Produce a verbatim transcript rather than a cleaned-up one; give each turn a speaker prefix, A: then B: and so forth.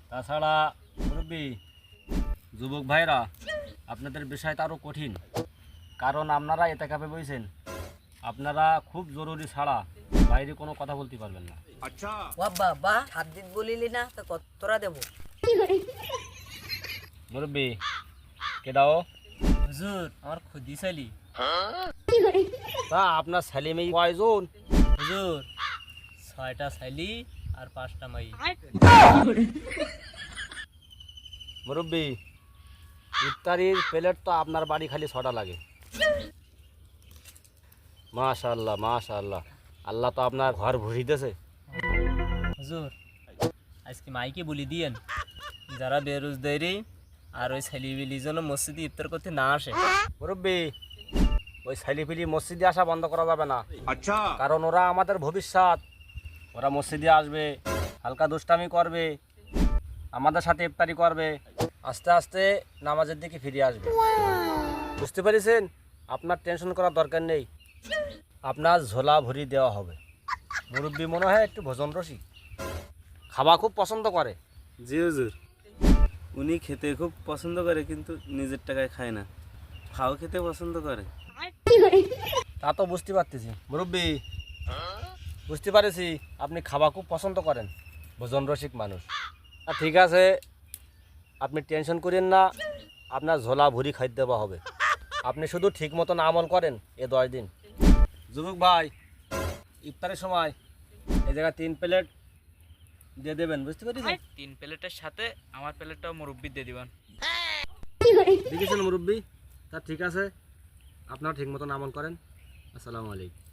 A: তাছাড়া মুরব্বী যুবক ভাইরা আপনাদের বিষয়টা আরও কঠিন, কারণ আপনারা এতে কাপে বইছেন, আপনারা খুব জরুরি ছাড়া বাইরে কোনো কথা বলতে পারবেন না।
B: আচ্ছা
C: বাবা বা সাত দিন বলিলি না তো কতরা দেবো?
A: মুরব্বী কেডাও
D: হুজুর আমার খুদি চালি।
A: তা আপনার ছেলে মেয়ে কয়জন?
D: হুজুর ছয়টা চাইলি আর পাঁচটা মাই।
A: মুরব্বী ইফতারির প্লেট তো আপনার বাড়ি খালি ছটা লাগে। মাশাআল্লাহ মাশাআল্লাহ, আল্লাহ তো আপনার ঘর ভরি দিয়েছে।
D: হুজুর আজকে মাইকে বলি দিয়েন যারা বেরোজগারি আর ওই ছেলেবিলি যেন মসজিদে ইফতার করতে না আসে।
A: মুরব্বী ওই ছেলেপিলি মসজিদে আসা বন্ধ করা যাবে না,
B: আচ্ছা
A: কারণ ওরা আমাদের ভবিষ্যৎ। ওরা মসজিদে আসবে, হালকা দুষ্টামি করবে, আমাদের সাথে ইফতারি করবে, আস্তে আস্তে নামাজের দিকে ফিরে আসবে। বুঝতে পেরেছেন? আপনার টেনশন করার দরকার নেই, আপনার ঝোলা ভরি দেওয়া হবে। মুরব্বী মনে হয় একটু ভোজন রসিক, খাওয়া খুব পছন্দ করে।
E: জি হুজুর, উনি খেতে খুব পছন্দ করে কিন্তু নিজের টাকায় খায় না, খাও খেতে পছন্দ করে।
A: তা তো বুঝতে পারতেছি মুরব্বী, বুঝতে পারছি আপনি খাওয়া খুব পছন্দ করেন, ভোজন রসিক মানুষ। আর ঠিক আছে, আপনি টেনশন করেন না, আপনার ঝোলা ভুরি খাইতে দেওয়া হবে। আপনি শুধু ঠিক মতন আমল করেন এ দশ দিন। যুবক ভাই ইফতারের সময় এই জায়গায় তিন প্লেট দিয়ে দেবেন, বুঝতে পেরেছেন?
F: তিন প্লেটের সাথে আমার প্লেটটাও মুরব্বি দিয়ে দিবেন।
A: দেখেছেন মুরব্বী? তা ঠিক আছে, আপনারা ঠিক মতন আমল করেন। আসসালামু আলাইকুম।